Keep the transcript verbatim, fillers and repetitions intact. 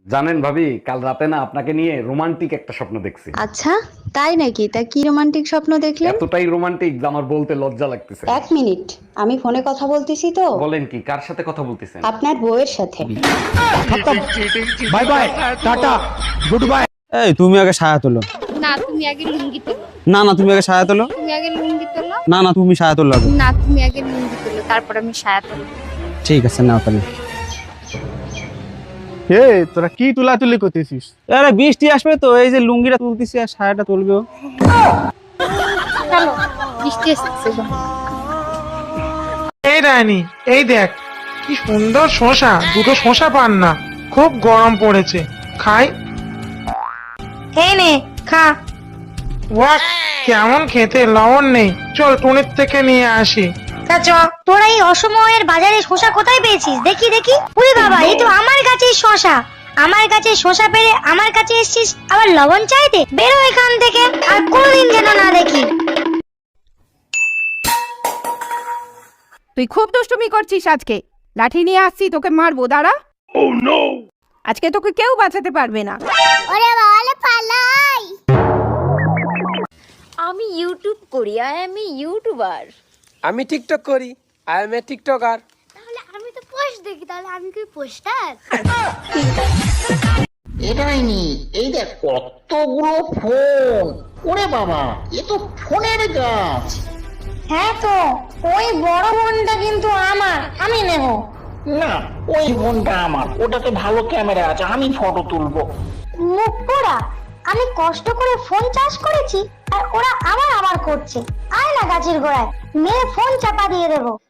জানেন ভাবি, কাল রাতে না আপনাকে নিয়ে রোমান্টিক একটা স্বপ্ন দেখছি। আচ্ছা, তাই নাকি? তা কি রোমান্টিক স্বপ্ন দেখলেন? এতটাই রোমান্টিক যে আমার বলতে লজ্জা লাগতেছে। এক মিনিট, আমি ফোনে কথা বলতেছি তো। বলেন কি, কার সাথে কথা বলতেছেন? আপনার বউয়ের সাথে। Bye bye, tata, good bye. এই তুমি আগে সায়া তোলো। না তুমি আগে লুঙ্গি তোলো। না না তুমি আগে সায়া তোলো। তুমি আগে লুঙ্গি তোলো। না না তুমি সায়া তোলো আগে। না তুমি আগে লুঙ্গি তোলো, তারপর আমি সায়া তোলো। ঠিক আছে নাও তাহলে। এ তোরা কি তুলাতুলি করতেছিস? আরে বৃষ্টি আসবে তো, এই যে লুঙ্গিটা তুলতেছি আর সায়াটা তুলবেও। চলো বৃষ্টি এসেছে গো। এই রানী, এই দেখ কি সুন্দর শশা, দুটো শশা পান না, খুব গরম পড়েছে, খাই। এই নে খা। ওয়াক, কেমন খেতে, লবণ নেই, চল টুনির থেকে নিয়ে আসি। তা চ, তোরা এই অসময়ের বাজারে শসা কোথায় পেয়েছিস? দেখি দেখি। ওরে বাবা, এই তো আমার কাছে শসা। আমার কাছে শসা পেরে আমার কাছে এসেছিস আবার লবণ চাইতে? বেরো এখান থেকে, আর কোনোদিন যেন না দেখি। তুই খুব দুষ্টুমি করছিস আজকে। লাঠি নিয়ে আসছি, তোকে মারবো, দাঁড়া। আজকে তোকে কেউ বাঁচাতে পারবে না। ওরে বাবা পালাই। আমি ইউটিউব করি, আই এম এ ইউটিউবার। আমি টিকটক করি, আই এম এ টিকটকার। তাহলে আমি তো পোস্ট দেখি, তাহলে আমি কি পোস্টার? এটাই নি, এই দেখ কতগুলো ফোন। ওরে বাবা, এ তো ফোনের গাছ। হ্যাঁ তো, ওই বড় ফোনটা কিন্তু আমার, আমি নেব। না, ওই ফোনটা আমার, ওটাতে ভালো ক্যামেরা আছে, আমি ফটো তুলবো। মুখ পোড়া, আমি কষ্ট করে ফোন চার্জ করেছি আর ওরা আবার আবার করছে। আয় না গাছের গোড়ায়, মেয়ে ফোন চাপা দিয়ে দেবো।